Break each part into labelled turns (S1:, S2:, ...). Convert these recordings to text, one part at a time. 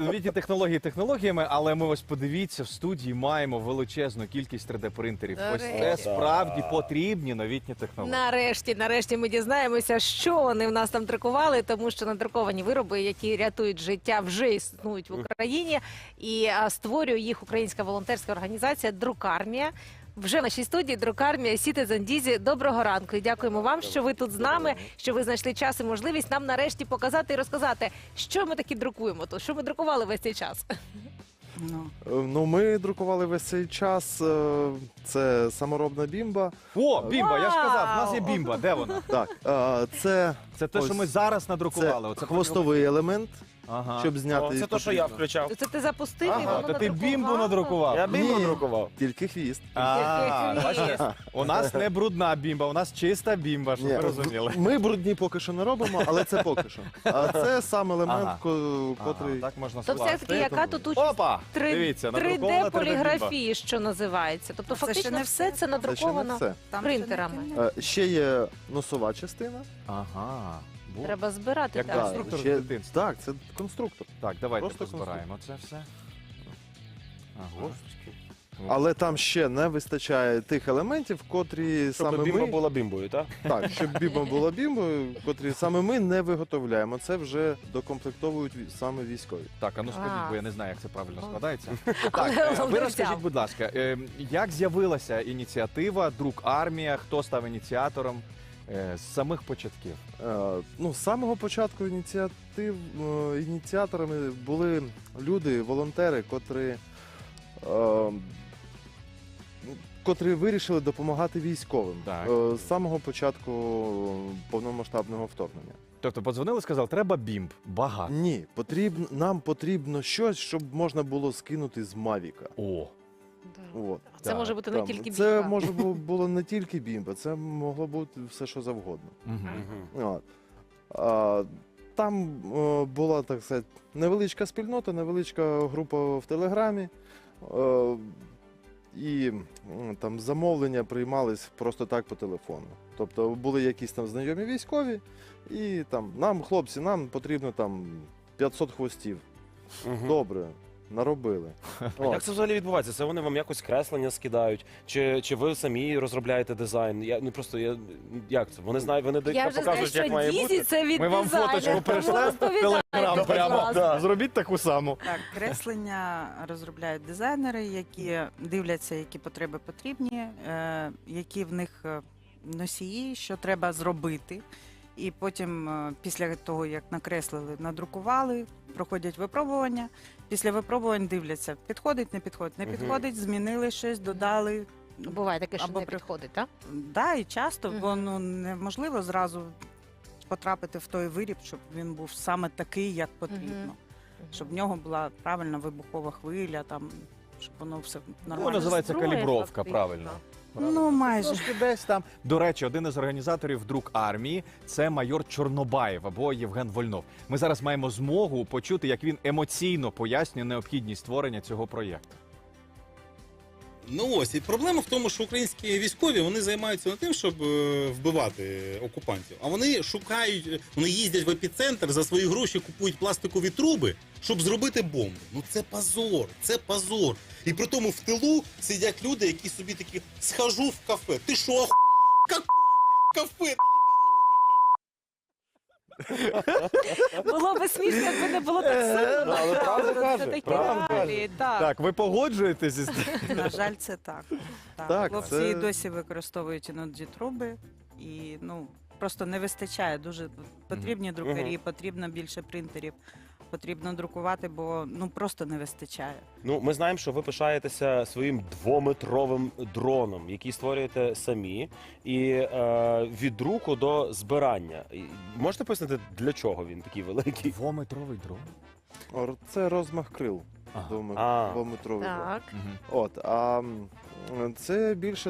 S1: новітні технології технологіями, але ми ось подивіться, в студії маємо величезну кількість 3D-принтерів. Ось це
S2: Нарешті.
S1: справді потрібні новітні технології.
S2: Нарешті ми дізнаємося, що вони в нас там друкували, тому що надруковані вироби, які рятують життя, вже існують в Україні. І створює їх українська волонтерська організація «Друкармія». Вже в нашій студії «Друкармія» Citizen Дізі. Доброго ранку і дякуємо вам, що ви тут з нами, що ви знайшли час і можливість нам нарешті показати і розказати, що ми таки друкуємо тут, що ми друкували весь цей час.
S3: Ну, ми друкували весь цей час. Це саморобна бімба.
S1: О, бімба, я ж казав, в нас є
S2: Вау!
S1: бімба. Де вона?
S3: Так, це
S1: Це те, що ми зараз надрукували.
S3: це
S1: Оце
S3: хвостовий елемент,
S1: Ага.
S3: щоб зняти.
S4: Це те, що я
S3: потрібно.
S4: включав.
S2: Це ти запустив і
S1: Ага,
S2: воно
S1: то ти бімбу
S2: надрукувало?
S1: надрукував.
S4: Я бімбу
S3: Ні.
S4: друкував.
S3: Тільки хвіст.
S1: Бачите? У нас не брудна бімба, у нас чиста бімба, щоб
S3: Ні,
S1: ви розуміли.
S3: Ми брудні поки що не робимо, але це поки що. А це сам елемент,
S1: Ага.
S3: котрий...
S1: Так можна
S2: То все-таки
S1: скласти.
S2: яка тут участь
S1: Опа! Дивіться, надрукована 3D-бімба.
S2: 3D-поліграфії, що називається. Тобто
S5: Це ще
S2: фактично
S5: не
S2: все це
S5: все.
S3: Це ще не
S2: надруковано
S3: все.
S2: принтерами.
S3: Ще є носова частина.
S1: Ага. Бу.
S2: Треба збирати
S1: Як
S2: так.
S3: Так,
S1: конструктор
S3: ще-
S1: з дитинства.
S3: Так, це конструктор.
S1: Так, давайте
S3: Просто
S1: позбираємо це все. Ага.
S3: Але там ще не вистачає тих елементів, котрі
S4: Щоб
S3: саме
S4: бімба
S3: ми...
S4: була бімбою, так?
S3: Так, щоб бімба була бімбою, котрі саме ми не виготовляємо. Це вже докомплектовують саме військові.
S1: Так, а ну скажіть,
S2: А.
S1: бо я не знаю, як це правильно
S2: Ну.
S1: складається.
S2: Але
S1: Так, ви
S2: головне
S1: розкажіть,
S2: взяв.
S1: будь ласка, як з'явилася ініціатива «Друк Армія», хто став ініціатором з самих початків?
S3: Ну, з самого початку ініціаторами були люди, волонтери, котрі вирішили допомагати військовим
S1: Так.
S3: з самого початку повномасштабного вторгнення.
S1: Тобто подзвонили, сказали, треба бімб, багато.
S3: Ні, нам потрібно щось, щоб можна було скинути з Мавіка.
S1: О,
S3: От.
S2: Це
S1: Так,
S2: може бути не
S3: Там,
S2: тільки
S3: це
S2: бімба.
S3: може було не тільки бімба, це могло бути все, що завгодно. От. Там була, так сказати, невеличка спільнота, невеличка група в Телеграмі. І там замовлення приймались просто так по телефону. Тобто були якісь там знайомі військові, і там нам, хлопці, нам потрібно там 500 хвостів. Добре, наробили.
S4: А як це взагалі відбувається? Це вони вам якось креслення скидають? Чи ви самі розробляєте дизайн? Як це? Вони знають, вони
S2: Я вже знаю,
S4: показують,
S2: що
S4: як має
S2: Дізі
S4: бути?
S2: це від
S1: ми вам
S2: дизайнера,
S1: фоточку
S2: тому
S1: перейшли в
S2: розповідайте,
S1: Телеграм
S2: будь
S1: прямо.
S2: ласка.
S1: Зробіть таку саму.
S5: Так, креслення розробляють дизайнери, які дивляться, які потреби потрібні, які в них носії, що треба зробити. І потім, після того, як накреслили, надрукували, проходять випробування. Після випробувань дивляться, підходить, не підходить, не
S4: Мгм.
S5: підходить, змінили щось, додали.
S2: Буває таке, що
S5: Або
S2: не підходить, так?
S5: Да, і часто,
S2: Мгм.
S5: бо неможливо зразу потрапити в той виріб, щоб він був саме такий, як потрібно. Щоб в нього була правильна вибухова хвиля, там, щоб воно все нормально.
S1: Ну, називається
S2: Зброя,
S1: калібровка,
S2: фактично.
S1: правильно.
S5: Ну, майже.
S1: Трошки десь там. До речі, один із організаторів «Друк Армії» – це майор Чорнобаєв або Євген Вольнов. Ми зараз маємо змогу почути, як він емоційно пояснює необхідність створення цього проєкту.
S6: Ну ось, і проблема в тому, що українські військові вони займаються не тим, щоб вбивати окупантів, а вони шукають, вони їздять в епіцентр, за свої гроші купують пластикові труби, щоб зробити бомбу. Ну це позор, це позор. І при тому в тилу сидять люди, які собі такі, схожу в кафе. Ти що, какое, блядь, кафе?
S2: Було би смішно, якби не було так сумно.
S4: Але правду
S2: Це
S4: каже,
S2: такі
S4: правду
S2: реалії, так.
S1: Так, ви погоджуєтесь із
S5: На жаль, це так.
S3: Так,
S5: Хлопці
S3: це-
S5: і досі використовують іноді труби, і просто не вистачає. Дуже потрібні друкарі, потрібно більше принтерів, потрібно друкувати, бо просто не вистачає.
S4: Ну, ми знаємо, що ви пишаєтеся своїм 2-метровим дроном, який створюєте самі, і від друку до збирання. Можете пояснити, для чого він такий великий?
S1: двометровий дрон.
S3: Це розмах крил.
S1: Ага.
S3: Двометровий.
S2: Так.
S1: Мгм.
S3: От, це більше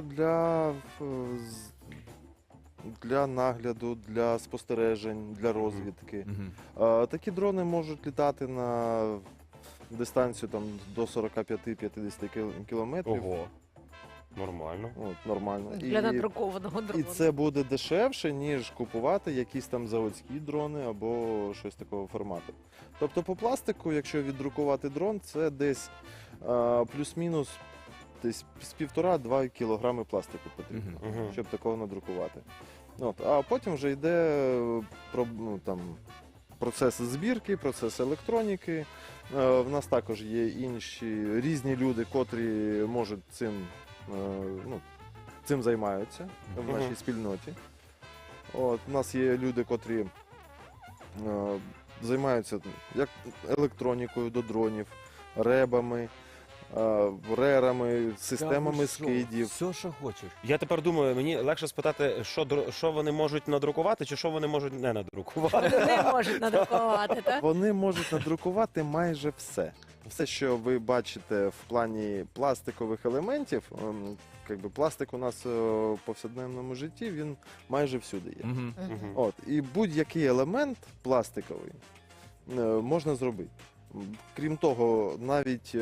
S3: для нагляду, для спостережень, для розвідки.
S1: Мгм.
S3: Такі дрони можуть літати на дистанцію там, до 45-50 кілометрів.
S4: Ого. Нормально.
S3: От, нормально.
S2: Для надрукованого
S3: І
S2: дрону.
S3: це буде дешевше, ніж купувати якісь там заводські дрони або щось такого формату. Тобто по пластику, якщо віддрукувати дрон, це десь плюс-мінус десь з 1,5-2 кілограми пластику потрібно,
S4: Мгм.
S3: щоб такого надрукувати. От, а потім вже йде процес збірки, процес електроніки. В нас також є інші різні люди, котрі можуть цим займаються в
S4: Мгм.
S3: нашій спільноті. От, у нас є люди, котрі займаються як електронікою до дронів, ребами, рерами, системами скидів.
S1: Все, що хочеш.
S4: Я тепер думаю, мені легше спитати, що вони можуть надрукувати, чи що вони можуть не надрукувати.
S2: Не можуть надрукувати, так?
S3: Вони можуть надрукувати майже все. Все, що ви бачите в плані пластикових елементів, пластик у нас в повсякденному житті, він майже всюди є.
S1: Мгм.
S4: Мгм.
S3: От, і будь-який елемент пластиковий можна зробити. Крім того, навіть,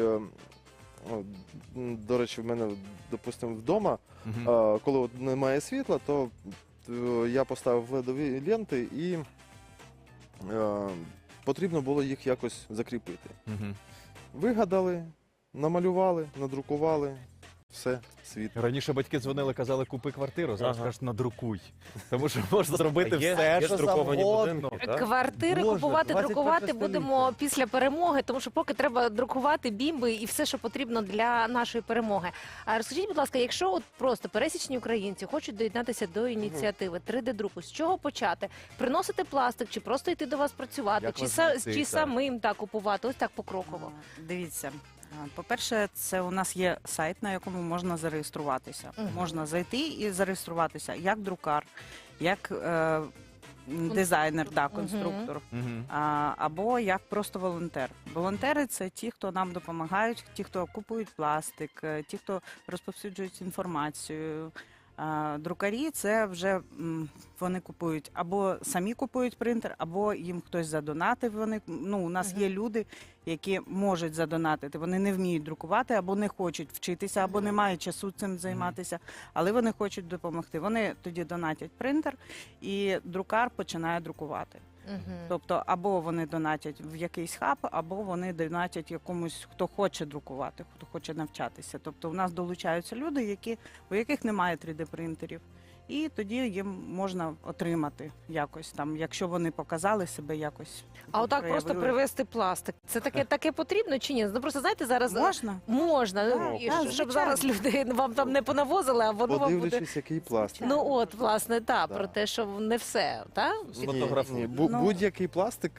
S3: до речі, в мене, допустимо, вдома,
S1: Мгм.
S3: коли от немає світла, то я поставив ледові ленти і потрібно було їх якось закріпити.
S1: Мгм.
S3: Вигадали, намалювали, надрукували, все, світ.
S1: Раніше батьки дзвонили, казали, купи квартиру, зараз
S4: Ага.
S1: кажуть, надрукуй. Тому що можна зробити
S4: Є-
S1: все,
S4: є
S1: що
S4: друковані
S1: завгодно.
S4: будинки, так?
S2: Квартири
S1: Боже,
S2: купувати,
S1: 21
S2: друкувати
S1: століття.
S2: будемо після перемоги, тому що поки треба друкувати бімби і все, що потрібно для нашої перемоги. А розкажіть, будь ласка, якщо от просто пересічні українці хочуть доєднатися до ініціативи 3D-друку, з чого почати? Приносити пластик, чи просто йти до вас працювати,
S1: Як
S2: чи,
S1: вас знайти,
S2: чи
S1: так?
S2: самим так купувати? Ось так покроково.
S5: Дивіться. По-перше, це у нас є сайт, на якому можна зареєструватися.
S2: Мгм.
S5: Можна зайти і зареєструватися як друкар, як дизайнер, конструктор.
S1: Мгм.
S5: Або як просто волонтер. Волонтери це ті, хто нам допомагають, ті, хто купують пластик, ті, хто розповсюджують інформацію. Друкарі це вже вони купують або самі купують принтер, або їм хтось задонатив. У нас є люди, які можуть задонатити. Вони не вміють друкувати, або не хочуть вчитися, або не мають часу цим займатися, але вони хочуть допомогти. Вони тоді донатять принтер, і друкар починає друкувати.
S2: Мгм.
S5: Тобто, або вони донатять в якийсь хаб, або вони донатять якомусь, хто хоче друкувати, хто хоче навчатися. Тобто, у нас долучаються люди, у яких немає 3D-принтерів. І тоді їм можна отримати якось там, якщо вони показали себе якось.
S2: А отак просто
S5: проявили.
S2: привезти пластик. Це таке потрібно чи ні? Ну просто знаєте, зараз
S5: Можна?
S2: можна,
S5: Так,
S2: ну, і
S5: так,
S2: щоб
S5: звичайно.
S2: зараз люди вам там не понавозили, а воно вам буде.
S3: Подивлячись, який пластик.
S2: Ну от, власне,
S3: Да.
S2: про те, що не все, так?
S1: Сфотографуй.
S5: Ну.
S3: Будь-який пластик.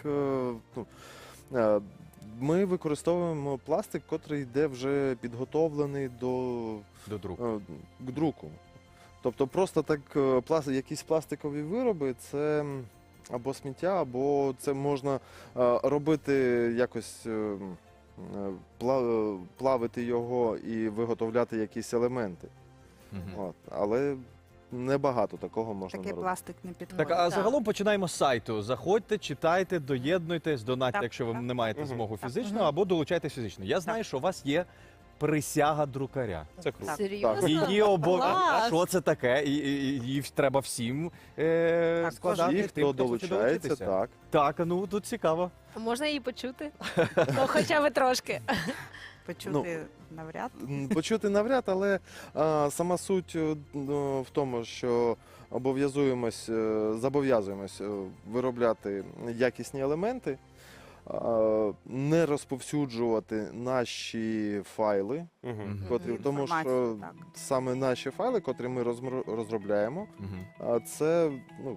S3: Ми використовуємо пластик, котрий йде вже підготовлений
S1: До друку.
S3: к друку. Тобто просто так якісь пластикові вироби це або сміття, або це можна робити якось плавити його і виготовляти якісь елементи.
S1: Мгм.
S3: От. Але небагато такого можна
S5: Такий
S3: наробити.
S5: пластик не підходить.
S1: Так, а
S2: Так.
S1: загалом починаємо з сайту. Заходьте, читайте, доєднуйтесь, донатьте,
S5: Так,
S1: якщо ви
S5: так.
S1: не маєте
S4: Мгм.
S1: змогу
S4: Так.
S1: фізично,
S2: Мгм.
S1: або долучайтесь фізично. Я знаю, що у вас є присяга друкаря.
S4: Це круто.
S5: Так.
S2: Серйозно?
S1: Її
S2: Клас!
S1: Що це таке? І її треба всім складати.
S3: Ті,
S1: тим,
S3: хто
S1: хоче
S3: долучається,
S1: долучитися.
S3: так.
S1: Так, ну тут цікаво.
S2: Можна її почути? Ну, хоча б трошки.
S5: Почути навряд.
S3: Почути навряд, але сама суть в тому, що зобов'язуємось виробляти якісні елементи, не розповсюджувати наші файли,
S4: Мгм.
S3: котрі, тому що
S5: Інформацію, так.
S3: саме наші файли, котрі ми розробляємо, це,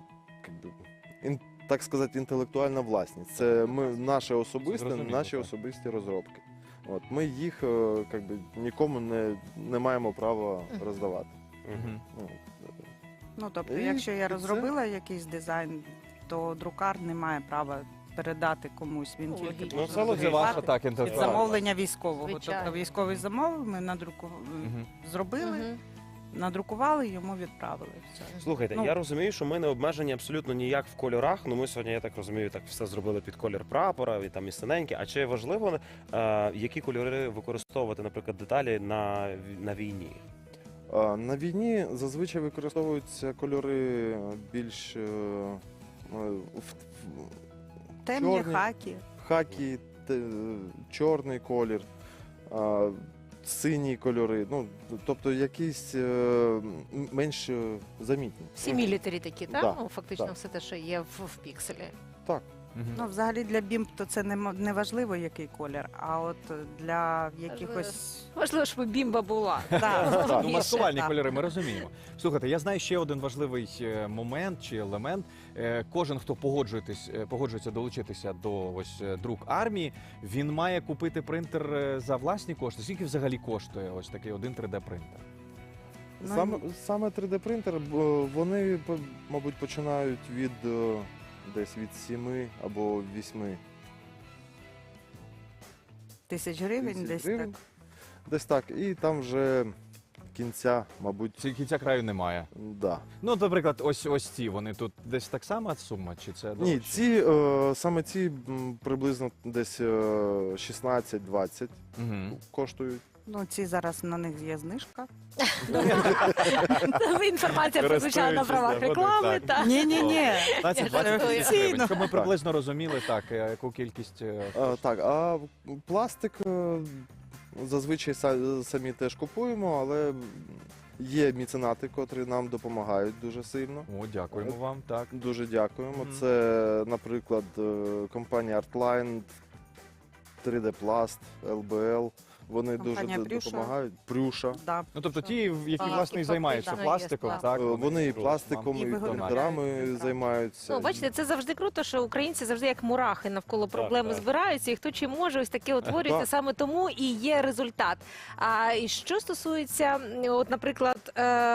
S3: так сказати, інтелектуальна власність. Це наше особисте,
S1: Зрозуміло,
S3: наші
S1: так.
S3: особисті розробки. От, ми їх нікому не маємо права роздавати.
S4: Мгм.
S3: Ну,
S5: Тобто,
S3: І
S5: якщо я
S3: це-
S5: розробила якийсь дизайн, то друкар не має права передати комусь. Він
S2: Логічно.
S5: тільки
S1: Ну,
S5: може
S1: це ваша
S5: друкувати
S1: так
S5: під
S1: інтелектуальна.
S5: замовлення військового.
S2: Звичайно.
S5: Тобто військовий замовив, ми
S1: Мгм.
S5: зробили,
S2: Мгм.
S5: надрукували, йому відправили. Все.
S4: Слухайте,
S5: Ну.
S4: я розумію, що ми не обмежені абсолютно ніяк в кольорах. Ну ми сьогодні, я так розумію, так все зробили під колір прапора, і там і синеньке. А чи важливо, які кольори використовувати, наприклад, деталі на війні?
S3: На війні зазвичай використовуються кольори більш
S5: Темні
S3: чорні.
S5: хакі.
S3: хакі, чорний колір, сині кольори, ну, тобто якісь менш замітні.
S2: Всі мілітарі такі, так?
S3: Да,
S2: Ну, фактично
S3: так.
S2: все те, що є в пікселі.
S3: Так.
S5: Ну, взагалі для бімб то це не важливо, який колір, а от для якихось...
S2: Важливо, щоб бімба була.
S5: Да.
S1: Ну,
S5: Більше,
S1: маскувальні
S5: так.
S1: кольори, ми розуміємо. Слухайте, я знаю ще один важливий момент чи елемент. Кожен, хто погоджується долучитися до друк армії, він має купити принтер за власні кошти. Скільки взагалі коштує ось такий один 3D-принтер?
S5: Ну,
S3: Саме 3D-принтер, вони, мабуть, починають десь від 7 або 8
S5: тисяч гривень
S3: тисяч
S5: десь
S3: гривень.
S5: так.
S3: Десь так. І там вже кінця, мабуть,
S1: Кінця краю немає.
S3: да.
S1: Ну, наприклад, ось ці, вони тут десь так само сума, чи це
S3: Ні,
S1: дорожче?
S3: саме ці приблизно десь 16-20
S1: Мгм.
S3: коштують.
S5: Ну, ці зараз на них є знижка.
S2: Інформація прозвучала на правах
S1: Користуючись
S2: реклами.
S1: нагодою,
S2: так.
S5: Ні.
S1: 15-20
S2: жартую.
S1: тисяч гривень, щоб ми приблизно розуміли, так, яку кількість...
S3: Так, а пластик зазвичай самі теж купуємо, але є меценати, котрі нам допомагають дуже сильно.
S1: О, дякуємо вам, так.
S3: Дуже дякуємо.
S1: Мгм.
S3: Це, наприклад, компанія Artline, 3D Plast, LBL. Вони
S5: Компанія
S3: дуже
S5: Прюша.
S3: допомагають. Прюша.
S5: Да.
S1: Ну, тобто ті, які,
S2: Ага,
S1: власне, і
S2: і
S1: займаються
S2: фактично є
S1: пластиком,
S2: пластик.
S1: так?
S3: Вони і
S1: можуть
S3: пластиком,
S5: І
S3: і
S5: виготовляють
S3: контрами
S5: прекрасно.
S3: займаються.
S2: Ну, бачите, це завжди круто, що українці завжди як мурахи навколо проблеми
S4: так.
S2: збираються, і хто чим може, ось таке утворюється,
S3: Так.
S2: саме тому і є результат. А і що стосується, от, наприклад,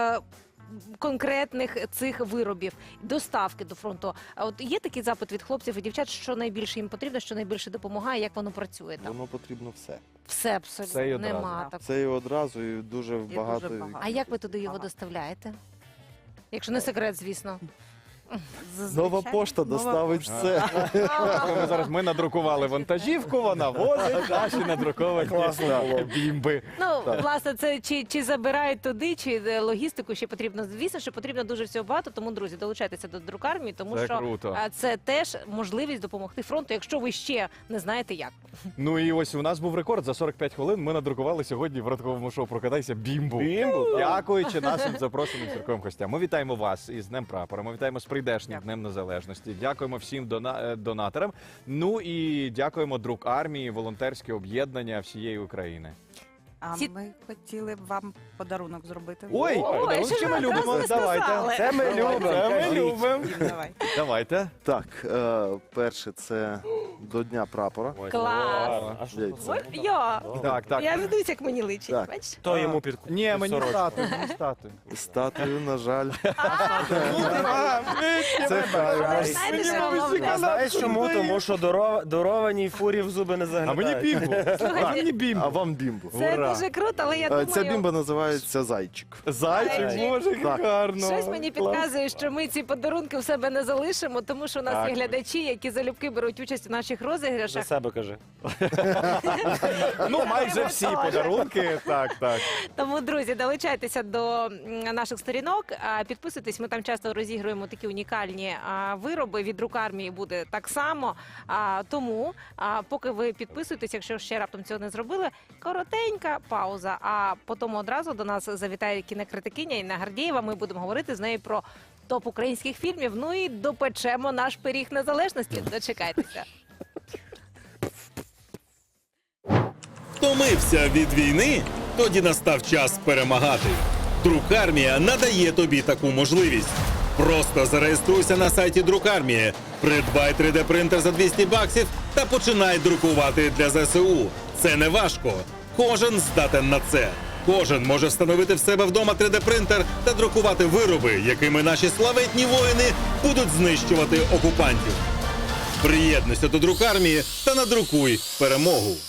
S2: конкретних цих виробів, доставки до фронту. А от є такий запит від хлопців і дівчат, що найбільше їм потрібно, що найбільше допомагає, як воно працює там?
S3: Воно потрібно все.
S2: Все абсолютно
S1: Все і одразу.
S2: нема так.
S3: Це і одразу, і дуже багато.
S5: багато.
S2: А як ви туди його
S5: Ага.
S2: доставляєте? Якщо не секрет, звісно.
S5: Зазвичай
S3: Нова пошта
S5: нова
S3: доставить
S5: пошта.
S3: все.
S1: Ми надрукували вантажівку, вона возить наші надруковані бімби.
S2: Ну, власне, це чи забирають туди, чи логістику ще потрібно. Звісно, що потрібно дуже всього багато, тому, друзі, долучайтеся до друкармії, тому
S1: Це
S2: що
S1: круто.
S2: це теж можливість допомогти фронту, якщо ви ще не знаєте як.
S1: Ну і ось у нас був рекорд. За 45 хвилин ми надрукували сьогодні в ранковому шоу «Прокидайся» бімбу.
S4: Бімбу, так.
S1: Дякуючи нашим запрошеним церковим гостям. Ми вітаємо вас із Днем Прапора. Ми вітаємо з прийдешнім
S5: Дякую.
S1: Днем Незалежності. Дякуємо всім донаторам. Ну і дякуємо друк армії, волонтерське об'єднання всієї України.
S5: А
S2: Ці-
S5: ми хотіли б вам подарунок зробити.
S1: Ой,
S2: Ой, що ж
S1: ми
S2: ви
S1: любимо.
S2: одразу не
S1: Давайте.
S2: сказали?
S1: Це ми любимо. Це ми любимо.
S5: Дім, давай.
S1: Давайте.
S3: Так, перше це до Дня прапора.
S4: Ой,
S2: Клас.
S4: а що
S3: Яйця.
S4: це?
S2: Ой, я.
S1: Так, так.
S2: Я ведусь, як мені личить.
S3: Так.
S2: Бачиш?
S4: Хто йому під
S1: Ні, мені
S4: сорочку?
S1: стати, мені стати.
S3: Статую, на жаль. Це
S2: Але
S3: хай.
S2: знаєте, що головне?
S4: А знаєш чому? Тому що дарованій фурі в зуби не
S1: А
S4: заглядають.
S1: мені бімбу. А мені бімбу.
S3: А вам бімбу.
S2: Це
S1: Ура.
S2: дуже круто, але я
S3: Ця
S2: думаю,
S3: бімба називається Зайчик.
S1: Зайчик, боже, як
S3: Так.
S1: гарно.
S2: щось мені
S1: Клас.
S2: підказує, що ми ці подарунки в себе не залишимо, тому що у нас
S1: Так.
S2: є глядачі, які залюбки беруть участь у наших
S4: За
S2: розіграшах.
S4: себе кажи.
S1: Ну, майже всі подарунки. Так, так.
S2: Тому, друзі, долучайтеся до наших сторінок, підписуйтесь. Ми там часто розігруємо такі унікальні вироби. Від рук армії буде так само. Тому, поки ви підписуєтесь, якщо ще раптом цього не зробили, коротенька пауза. А потім одразу до нас завітає кінокритикиня Інна Гордієва. Ми будемо говорити з нею про топ українських фільмів. Ну і допечемо наш пиріг незалежності. Дочекайтеся.
S6: Втомився від війни? Тоді настав час перемагати. Друкармія надає тобі таку можливість. Просто зареєструйся на сайті Друкармії, придбай 3D-принтер за $200 та починай друкувати для ЗСУ. Це не важко. Кожен здатен на це. Кожен може встановити в себе вдома 3D-принтер та друкувати вироби, якими наші славетні воїни будуть знищувати окупантів. Приєднуйся до Друкармії та надрукуй перемогу.